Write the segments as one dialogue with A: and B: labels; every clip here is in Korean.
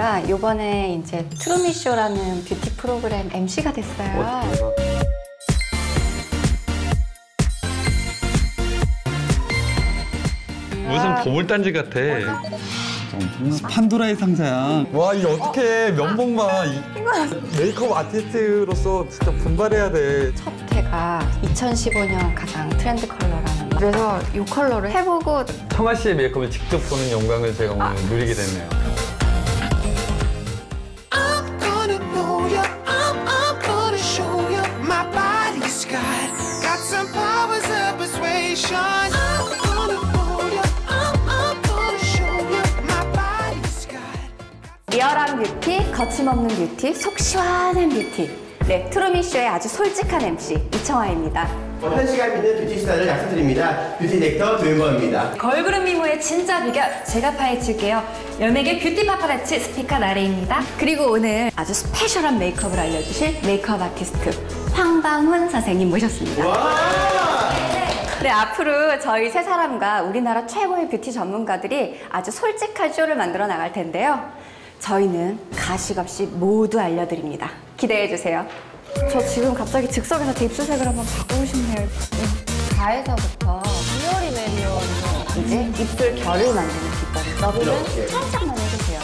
A: 제가 이번에 이제 트루미쇼라는 뷰티 프로그램 MC가 됐어요.
B: 무슨 보물단지 같아.
C: 판도라의 상자야.
D: 와, 이게 어떻게 면봉만 메이크업 아티스트로서 진짜 분발해야 돼.
A: 첫 해가 2015년 가장 트렌드 컬러라는 그래서 이 컬러를 해보고
B: 청아 씨의 메이크업을 직접 보는 영광을 제가 오늘 누리게 됐네요.
A: 리얼한 뷰티, 거침없는 뷰티, 속 시원한 뷰티. 네, 트루미쇼의 아주 솔직한 MC 이청아입니다.
E: 1시간 있는 뷰티 스타일을 약속드립니다. 뷰티 렉터 조윤범입니다.
F: 걸그룹 미모의 진짜 비결 제가 파헤칠게요. 연예계 뷰티 파파라치 스피커 나래입니다.
A: 그리고 오늘 아주 스페셜한 메이크업을 알려주실 메이크업 아티스트 황방훈 선생님 모셨습니다. 네, 앞으로 저희 세 사람과 우리나라 최고의 뷰티 전문가들이 아주 솔직한 쇼를 만들어 나갈 텐데요. 저희는 가식없이 모두 알려드립니다. 기대해주세요. 저 지금 갑자기 즉석에서 제 입술색을 한번 바꾸고 싶네요. 가에서부터 리얼이 메리어에서 이제 입술 결을 만드는 기법. 너비는 살짝만 해주세요.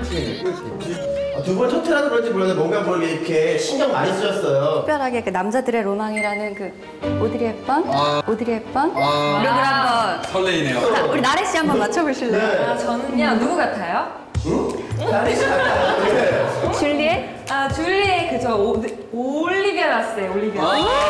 E: 두 번 첫 회라서 그런지 몰라도 뭔가 모르게 이렇게 신경 많이 쓰셨어요.
A: 특별하게 그 남자들의 로망이라는 그 오드리 헵번? 오드리 헵번? 룩을 한번
B: 설레이네요.
A: 자, 우리 나래 씨 한번 맞춰보실래요?
E: 네.
F: 아, 저는요 누구 같아요?
E: 나래 씨 같아요. 네.
A: 줄리엣?
F: 아 줄리의 그저 올리비아 라스예요. 올리비아.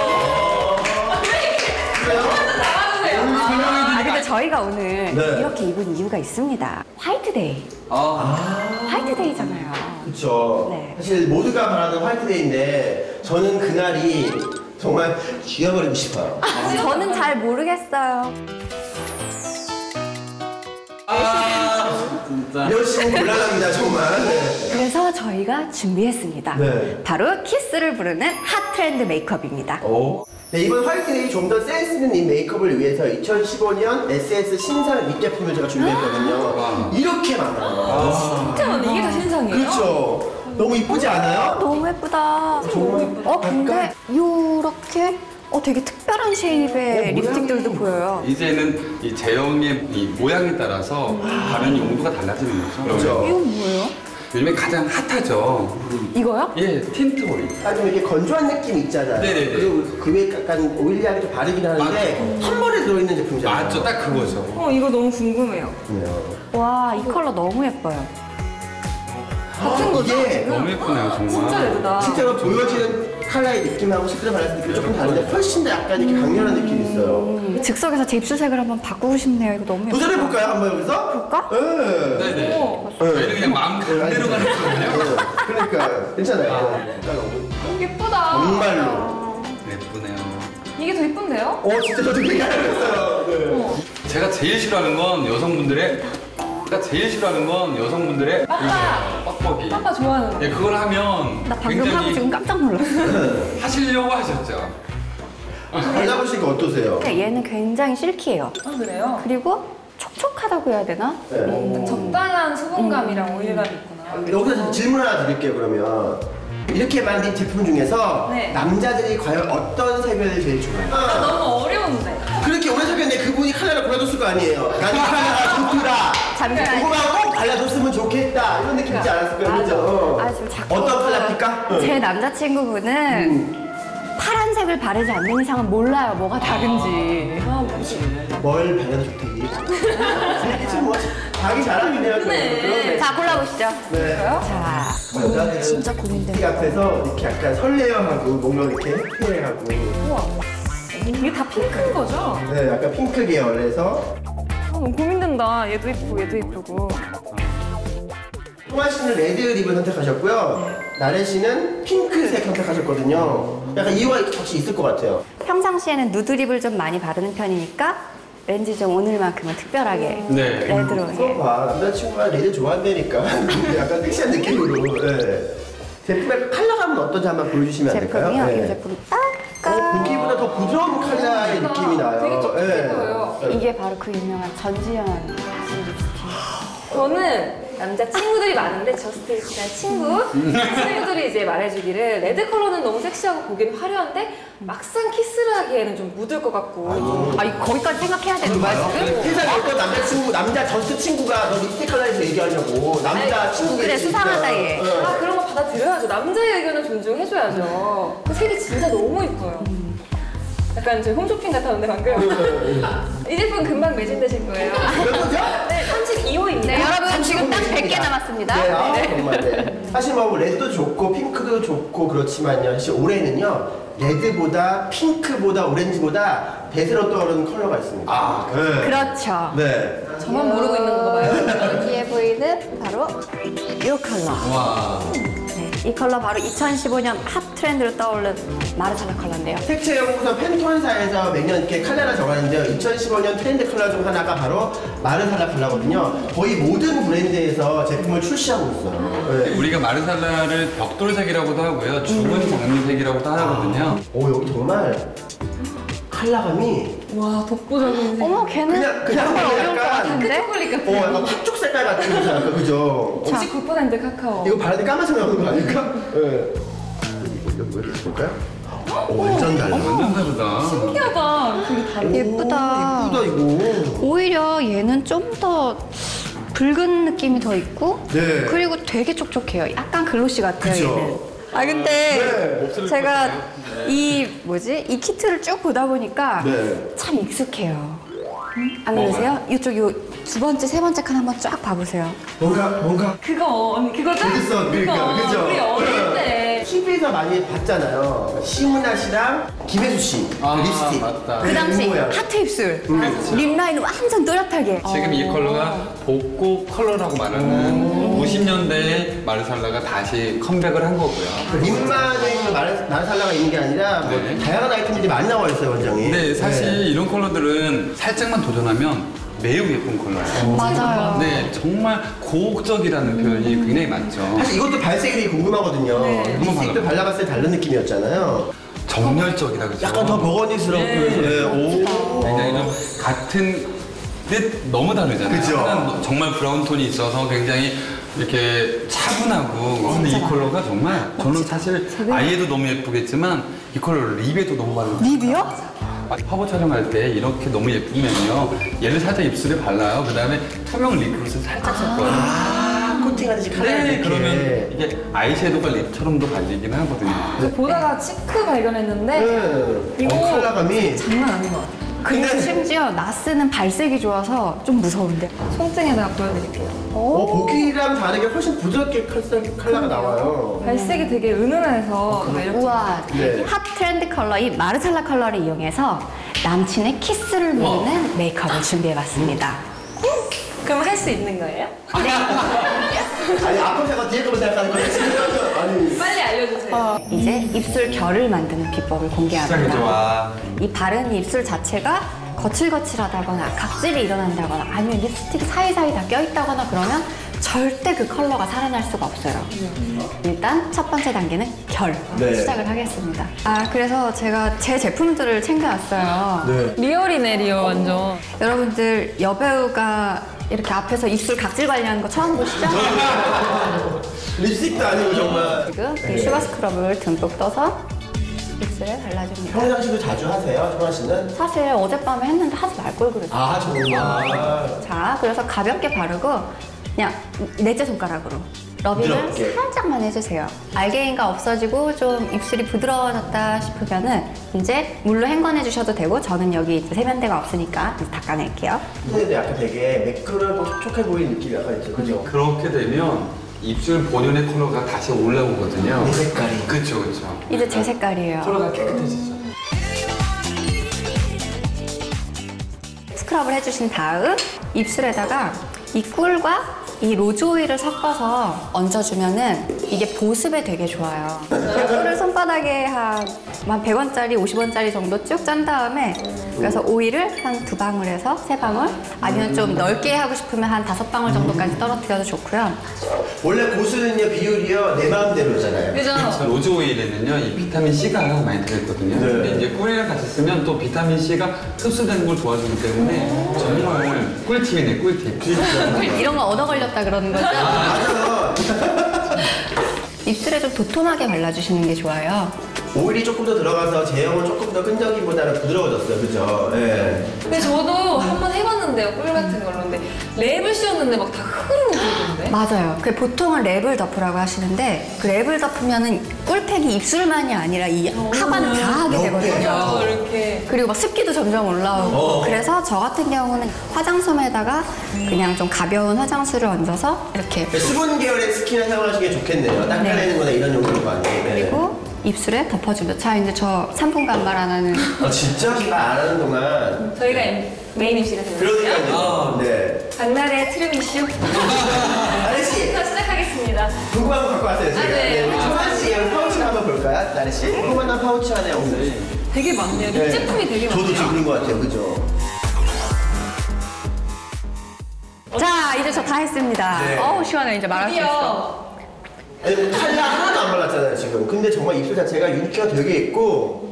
A: 근데 저희가 오늘
E: 네.
A: 이렇게 입은 이유가 있습니다. 화이트데이. 화이트데이잖아요.
E: 그쵸.
A: 네.
E: 사실 모두가 바라는 화이트데이인데 저는 그날이 정말 죽여버리고 싶어요.
A: 저는 잘 모르겠어요.
C: 진짜.
E: 열심히 곤란합니다, 정말. 네.
A: 그래서 저희가 준비했습니다.
E: 네.
A: 바로 키스를 부르는 핫 트렌드 메이크업입니다.
E: 네, 이번 화이트데이 좀 더 센스 있는 이 메이크업을 위해서 2015년 SS 신상 립제품을 제가 준비했거든요. 이렇게 많아요.
F: 진짜 많네. 이게 다 신상이에요?
E: 그렇죠. 너무 이쁘지 않아요?
A: 너무 예쁘다.
E: 정말
A: 근데 요렇게 되게 특별한 쉐입의 립스틱들도 보여요.
B: 이제는 이 제형의 이 모양에 따라서 바르는 용도가 달라지는 거죠.
E: 그렇죠.
A: 이건 뭐예요?
B: 요즘에 가장 핫하죠.
A: 이거요?
B: 예, 틴트 오일.
E: 좀 이렇게 건조한 느낌 있잖아요.
B: 네네네.
E: 그리고 그 위에 약간 오일리하게 좀 바르긴 하는데 한 번에 들어있는 제품이잖아요.
B: 맞죠, 딱 그거죠.
F: 이거 너무 궁금해요.
A: 와, 이 컬러 너무 예뻐요.
F: 같은 거죠?
E: 이게
B: 너무 예쁘네요, 정말.
F: 진짜 예쁘다.
E: 실제로 보여지는 컬러의 느낌하고 실제로 발랐을 느낌이 조금 다른데 훨씬 더 약간 이렇게 강렬한 느낌이 있어요.
A: 즉석에서 제 입술색을 한번 바꾸고 싶네요. 이거 너무 예뻐요.
E: 도전해볼까요? 한번 여기서?
A: 볼까?
E: 네.
B: 네네. 저희는 그냥 마음 그대로 가는 거거든요.
E: 그러니까 괜찮아요.
F: 예쁘다.
E: 정말로.
B: 예쁘네요.
F: 이게 더 예쁜데요?
E: 진짜 저도 얘기하려고 했어요. 네.
B: 제가 제일 싫어하는 건 여성분들의 뻑뻑이.
F: 빠빠 좋아하는 거.
B: 예, 그걸 하면
A: 나 방금 하고
B: 굉장히
A: 지금 깜짝 놀랐어요.
B: 하시려고 하셨죠.
E: 발라보시니까 어떠세요?
A: 근데 얘는 굉장히 실키해요.
F: 아 그래요?
A: 그리고 촉촉하다고 해야 되나?
E: 네.
F: 적당한 수분감이랑 오일감이 있구나.
E: 여기서 질문 하나 드릴게요, 그러면. 이렇게 만든 제품 중에서
F: 네.
E: 남자들이 과연 어떤 색을 제일 좋아해요?
F: 너무 어려운데.
E: 그렇게 오래 사귀었는데 그분이 컬러를 골라줬을 거 아니에요? 난 이 컬러가 좋더라.
A: 잠시만요.
E: 궁금하고 발라줬으면 좋겠다. 이런 느낌 있지 않았을까요? 그죠?
A: 지금 자꾸
E: 어떤 컬러일까?
A: 제 남자친구분은 파란색을 바르지 않는 이상은 몰라요. 뭐가 다른지.
E: 뭘 발라도 좋대. 이게 지금 뭐 자기 자랑이네요. 그러네.
A: 자, 골라보시죠.
E: 네.
A: 자,
E: 여자들은
A: 진짜
E: 티
A: 고민된다.
E: 앞에서 이렇게 약간 설레어하고 뭔가 이렇게 해피해하고
F: 이게 다 핑크인 거죠?
E: 네, 약간 핑크 계열에서
F: 너무 고민된다. 얘도 예쁘고 얘도 예쁘고.
E: 홍아 씨는 레드 립을 선택하셨고요. 나래 씨는 핑크색 선택하셨거든요. 약간 이유가 혹시 있을 것 같아요.
A: 평상시에는 누드립을 좀 많이 바르는 편이니까 왠지 좀 오늘만큼은 특별하게
B: 네.
A: 레드로.
E: 그거 봐, 남자친구가 레드 좋아한다니까. 약간 섹시한 느낌으로. 네. 제품의 컬러감은 어떤지 한번 보여주시면 안 될까요?
A: 제품이요?
E: 네.
A: 이 제품 딱
E: 보기보다 더 부드러운 컬러의 느낌이 나요.
F: 되게 촉촉해
E: 네.
F: 보여요.
A: 이게 바로 그 유명한 전지현 씨 립스틱.
F: 저는 남자 친구들이 많은데 저스트 그냥 친구들이 이제 말해주기를 레드 컬러는 너무 섹시하고 보기는 화려한데 막상 키스를 하기에는 좀 묻을 것 같고.
A: 거기까지 생각해야 되는 거야 지금?
E: 세상에 어떤 남자 저스트 친구가 너 립스틱 컬러에서 얘기하냐고. 남자 친구가.
A: 그래, 수상하다, 얘.
F: 아 그런 거 받아들여야죠. 남자의 의견은 존중해줘야죠. 그 색이 진짜 너무 이뻐요. 약간 제 홈쇼핑 같았는데 방금. 이 제품 금방 매진되실 거예요.
E: 몇 번이죠?
F: 네, 32호입니다.
A: 네, 여러분 지금 딱 100개 남았습니다.
E: 네, 정말 네. 사실 뭐 레드도 좋고 핑크도 좋고 그렇지만요. 사실 올해는요. 레드보다 핑크보다 오렌지보다 대세로 떠오르는 컬러가 있습니다. 네.
A: 그렇죠.
E: 네.
F: 저만 모르고 있는 거 봐요.
A: 여기에 보이는 바로 이 컬러.
B: 와.
A: 네, 이 컬러 바로 2015년 핫 트렌드로 떠오른 마르살라 컬러인데요.
E: 색채 연구소 팬톤사에서 매년 이렇게 컬러를 정하는데요. 2015년 트렌드 컬러 중 하나가 바로 마르살라 컬러거든요. 거의 모든 브랜드에서 제품을 출시하고 있어요. 네.
B: 우리가 마르살라를 벽돌색이라고도 하고요. 죽은 장미색이라고도 하거든요.
E: 오, 여기 정말 컬러감이
F: 와 독보적인 색.
A: 어머, 걔는
E: 그냥
A: 정말 어려울 것
E: 약간
A: 같은데?
F: 초콜릿 같은.
E: 약간 팥죽 색깔 같은 거지 않을까, 그죠?
F: 99% 카카오.
E: 이거 바르는데 까만색 나오는 거 아닐까? 네. 이거 볼까요? 오, 완전 달라.
B: 완전 다르다.
F: 신기하다. 되게 다르.
A: 예쁘다.
E: 예쁘다, 이거.
A: 오히려 얘는 좀 더 붉은 느낌이 더 있고
E: 네.
A: 그리고 되게 촉촉해요. 약간 글로시 같아요.
E: 그쵸.
A: 얘는. 아 근데
E: 네.
A: 제가 이 이 키트를 쭉 보다 보니까
E: 네.
A: 참 익숙해요. 안 그러세요? 이쪽 두 번째, 세 번째 칸 한번 쫙 봐보세요.
E: 뭔가.
F: 그거 언니 그거죠?
E: 그랬어, 그러니까,
F: 그거,
E: 그죠?
F: 우리 어릴 때.
E: TV에서 많이 봤잖아요. 시문아 씨랑 김혜수 씨.
B: 아,
E: 립스틱.
B: 맞다.
A: 그 당시
E: 입 모양.
A: 하트 입술,
B: 그렇죠.
A: 립 라인 완전 또렷하게.
B: 지금 이 컬러가 복고 컬러라고 말하는 50년대의 마르살라가 다시 컴백을 한 거고요.
E: 립만에 있는 마르살라가 있는 게 아니라 뭐
B: 네.
E: 다양한 아이템들이 많이 나와 있어요, 원장님.
B: 근데 사실
E: 네.
B: 이런 컬러들은 살짝만 도전하면 매우 예쁜 컬러예요.
A: 맞아요.
B: 네, 정말 고혹적이라는 표현이 굉장히 많죠.
E: 사실 이것도 발색이 되게 궁금하거든요. 립스틱도 발라봤을 때 다른 느낌이었잖아요.
B: 정열적이라 그러죠.
E: 약간 더 버거니스럽고. 네. 오.
B: 굉장히 좀 같은 듯 너무 다르잖아요.
E: 그죠?
B: 하나는 정말 브라운 톤이 있어서 굉장히 이렇게 차분하고 근데 이 컬러가 정말 저는 사실 아이에도 너무 예쁘겠지만 이 컬러를 립에도 너무 바르고
A: 립이요?
B: 화보 촬영할 때 이렇게 너무 예쁘면요 얘를 살짝 입술에 발라요. 그 다음에 투명 립글로스를 살짝 섞어요.
E: 코팅하듯이 컬러를
B: 네,
E: 이렇게.
B: 그러면 이게 아이섀도우가 립처럼도 발리긴 하거든요.
F: 저 보다가 치크 발견했는데
E: 네.
F: 이거
E: 컬러감이.
F: 장난 아닌 것 같아요.
A: 그리고 심지어 나스는 발색이 좋아서 좀 무서운데.
F: 손등에다가 보여드릴게요.
E: 보기랑 다르게 훨씬 부드럽게 컬러가 나와요.
F: 발색이 되게 은은해서 매력.
A: 우와,
E: 네.
A: 핫 트렌드 컬러 이 마르살라 컬러를 이용해서 남친의 키스를 누르는 메이크업을 준비해봤습니다.
F: 그럼 할 수 있는 거예요?
E: 아니, 앞으로 생각, 뒤에 거만 생각하는 거예요. 지금. 아니.
F: 빨리 알려주세요.
A: 이제 입술 결을 만드는 비법을
B: 시작이
A: 공개합니다.
B: 좋아.
A: 이 바른 입술 자체가 거칠거칠하다거나 각질이 일어난다거나 아니면 립스틱이 사이사이 다 껴있다거나 그러면 절대 그 컬러가 살아날 수가 없어요. 일단 첫 번째 단계는 결
E: 네.
A: 시작을 하겠습니다. 아 그래서 제가 제 제품들을 챙겨왔어요.
E: 네.
F: 리얼이네 리얼 완전.
A: 여러분들 여배우가 이렇게 앞에서 입술 각질 관리하는 거 처음 보시죠?
E: 립스틱도 아니고 정말.
A: 지금 이 슈가 스크럽을 듬뿍 떠서 입술에 발라줍니다.
E: 평상시도 자주 하세요, 정아 씨는?
A: 사실 어젯밤에 했는데 하지 말 걸 그랬어요.
E: 아, 정말.
A: 자, 그래서 가볍게 바르고 그냥 넷째 손가락으로 러빙을
E: 부드럽게.
A: 살짝만 해주세요. 알갱이가 없어지고 좀 입술이 부드러워졌다 싶으면은 이제 물로 헹궈내 주셔도 되고 저는 여기 이제 세면대가 없으니까 이제 닦아낼게요.
E: 근데 약간 되게 매끄럽고 촉촉해 보이는 느낌이 약간 있죠, 그죠?
B: 그렇게 되면 입술 본연의 컬러가 다시 올라오거든요.
E: 내 색깔이.
B: 그쵸, 그쵸.
A: 이제 제 색깔이에요.
B: 컬러가 깨끗해지죠.
A: 스크럽을 해주신 다음 입술에다가 이 꿀과 이 로즈 오일을 섞어서 얹어주면은 이게 보습에 되게 좋아요. 꿀을 손바닥에 한 100원짜리, 50원짜리 정도 쭉 짠 다음에 그래서 오일을 한 2방울에서 3방울, 아니면 좀 넓게 하고 싶으면 한 5방울 정도까지 떨어뜨려도 좋고요.
E: 원래 고수는요 비율이요 내 마음대로잖아요.
F: 그죠?
B: 로즈 오일에는요 이 비타민 C가 많이 들어있거든요.
E: 네.
B: 근데 이제 꿀이랑 같이 쓰면 또 비타민 C가 흡수되는 걸 도와주기 때문에 정말 꿀팁이네, 꿀팁.
A: 이런 거 얻어 걸렸다 그러는 거죠?
E: 맞아요.
A: 입술에 좀 도톰하게 발라주시는 게 좋아요.
E: 오일이 조금 더 들어가서 제형은 조금 더 끈적이보다는 부드러워졌어요, 그죠? 예.
F: 근데 저도 한번 해봤는데요, 꿀 같은 걸로. 근데 랩을 씌웠는데 막 다 흐르는 소리던데.
A: 맞아요. 그 보통은 랩을 덮으라고 하시는데 그 랩을 덮으면은 꿀팩이 입술만이 아니라 이 하관 다 하게 되거든요.
F: 이렇게.
A: 그리고 막 습기도 점점 올라오고 그래서 저 같은 경우는 화장솜에다가 그냥 좀 가벼운 화장수를 얹어서 이렇게
E: 수분 계열의 스킨을 사용하시는 게 좋겠네요. 닦아내는 거나 이런 용도로 많이. 네.
A: 그리고 입술에 덮어주면 자 이제 저 3분간 말 안 하는
E: 아, 진짜? 제가 안 하는 동안.
F: 저희가 메인 MC가 되는 거예요.
E: 그러니까요. 네.
F: 박나래 트름 이슈.
E: 나래씨,
F: 자, 시작하겠습니다.
E: 궁금한 거 갖고 왔어요, 제가.
F: 아, 네.
E: 우리 청아씨, 파우치 한번 볼까요? 나래씨? 궁금한 파우치 하나요, 오늘?
F: 되게 많네요. 립 제품이 되게 많네요.
E: 저도 지금 그런 거 같아요, 그죠?
A: 자 이제 저 다 했습니다.
E: 네.
A: 어우 시원해 이제 말할 수 있어.
F: 드디어
E: 아니, 뭐 칼라 하나도 안 발랐잖아요, 지금. 근데 정말 입술 자체가 윤기가 되게 있고.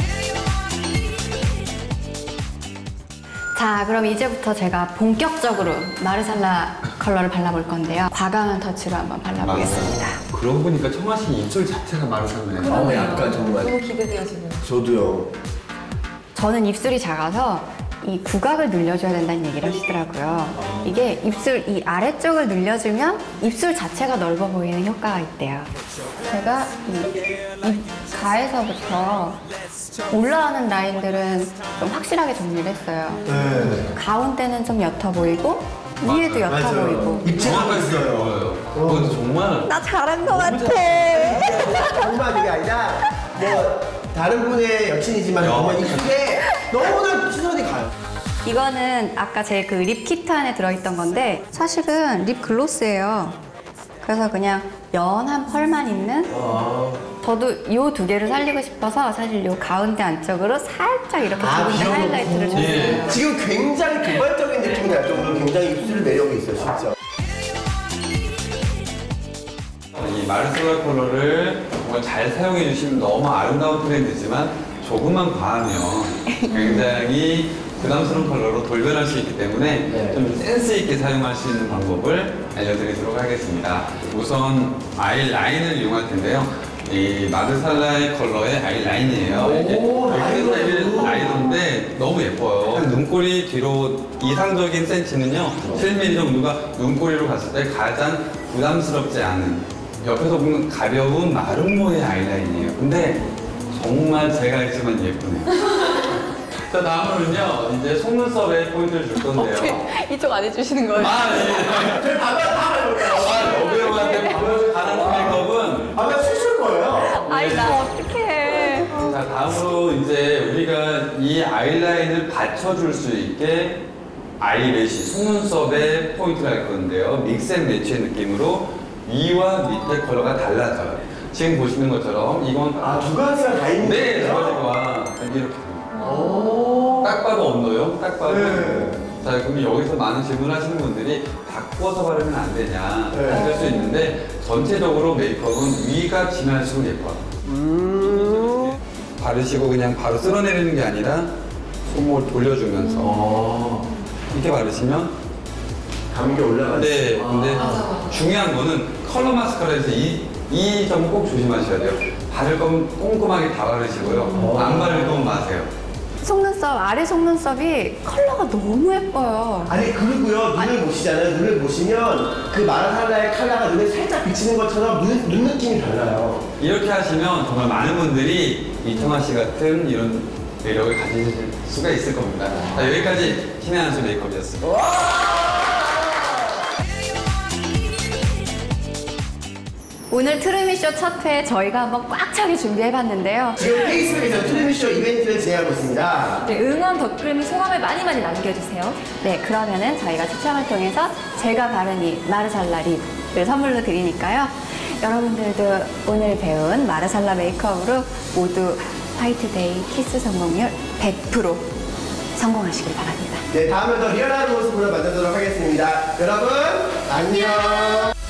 A: 자 그럼 이제부터 제가 본격적으로 마르살라 컬러를 발라볼 건데요. 과감한 터치로 한번 발라보겠습니다.
B: 그러고 보니까 청아 씨 입술 자체가 마르살라네.
E: 약간 정말.
F: 너무 기대돼요, 지금.
E: 저도요.
A: 저는 입술이 작아서 이 구각을 늘려줘야 된다는 얘기를 하시더라고요. 이게 입술 이 아래쪽을 늘려주면 입술 자체가 넓어 보이는 효과가 있대요. 제가 이 가에서부터 올라가는 라인들은 좀 확실하게 정리를 했어요.
E: 네.
A: 가운데는 좀 옅어 보이고 위에도 옅어 보이고.
E: 입체감이
B: 정확하게
E: 있어요.
B: 보여요. 그것도 정말
A: 나 잘한 것 같아.
E: 정말 그게 아니라 뭐 다른 분의 여친이지만 정말 입술에 너무나 시선이 가요.
A: 이거는 아까 제 그 립 키트 안에 들어있던 건데 사실은 립 글로스예요. 그래서 그냥 연한 펄만 있는 저도 이 2개를 살리고 싶어서 사실 이 가운데 안쪽으로 살짝 이렇게 두 군데 하이라이트를 줬어요.
E: 지금 굉장히 개발적인 느낌이 날 정도로 굉장히 입술 매력이 있어요, 진짜.
B: 이 마르살라 컬러를 정말 잘 사용해 주시면 너무 아름다운 트렌드지만 조금만 과하면 굉장히 부담스러운 컬러로 돌변할 수 있기 때문에 좀 센스 있게 사용할 수 있는 방법을 알려드리도록 하겠습니다. 우선 아이라인을 이용할 텐데요. 이 마르살라의 컬러의 아이라인이에요. 이게 라이너인데 너무 예뻐요. 눈꼬리 뒤로 이상적인 센치는요 7mm 정도가 눈꼬리로 갔을 때 가장 부담스럽지 않은 옆에서 보면 가벼운 마름모의 아이라인이에요. 근데 정말 제가 했지만 예쁘네요. 자 다음으로는요 이제 속눈썹에 포인트를 줄 건데요.
A: 이쪽 안 해주시는 거예요?
B: 아 예.
E: 저희 밥을 다 해볼까요?
B: 여배우한테 밥을 가는 메이크업은
E: 밥을 쓰실 거예요.
A: 아이 나 어떡해.
B: 자 다음으로 이제 우리가 이 아이라인을 받쳐줄 수 있게 아이래쉬 속눈썹에 포인트를 할 건데요. 믹스앤매치의 느낌으로 위와 밑에 컬러가 달라져요. 지금 보시는 것처럼 이건
E: 두 가지가 다 있는
B: 네, 두
E: 거예요?
B: 가지가 이렇게
E: 오.
B: 딱 봐도 언더요. 딱 봐도.
E: 네.
B: 자 그럼 여기서 많은 질문을 하시는 분들이 바꿔서 바르면 안 되냐
E: 네.
B: 할 수 있는데 전체적으로 메이크업은 위가 진할수록 예뻐요. 바르시고 그냥 바로 쓸어내리는 게 아니라 손목을 돌려주면서 이렇게 바르시면
E: 감기 올라가죠.
B: 네, 근데 중요한 거는 컬러 마스카라에서 이 점은 꼭 조심하셔야 돼요. 바를 거면 꼼꼼하게 다 바르시고요. 안 바르면 마세요.
A: 속눈썹 아래 속눈썹이 컬러가 너무 예뻐요.
E: 아니 그리고요 눈을 보시잖아요. 눈을 보시면 그 마라살라의 컬러가 눈에 살짝 비치는 것처럼 눈 느낌이 달라요.
B: 이렇게 하시면 정말 많은 분들이 이청아 씨 같은 이런 매력을 가지실 수가 있을 겁니다. 자, 여기까지 신의 한수 메이크업이었습니다.
A: 오늘 트루미쇼 첫 회 저희가 한번 꽉 차게 준비해봤는데요.
E: 지금 페이스북에서 트레미쇼 이벤트를 진행하고 있습니다.
F: 네, 응원 댓글 소감을 많이 남겨주세요.
A: 네, 그러면은 저희가 추첨을 통해서 제가 바른 이 마르살라 립을 선물로 드리니까요. 여러분들도 오늘 배운 마르살라 메이크업으로 모두 화이트데이 키스 성공률 100% 성공하시길 바랍니다.
E: 네, 다음에 더 리얼한 모습으로 만나도록 하겠습니다. 여러분, 안녕!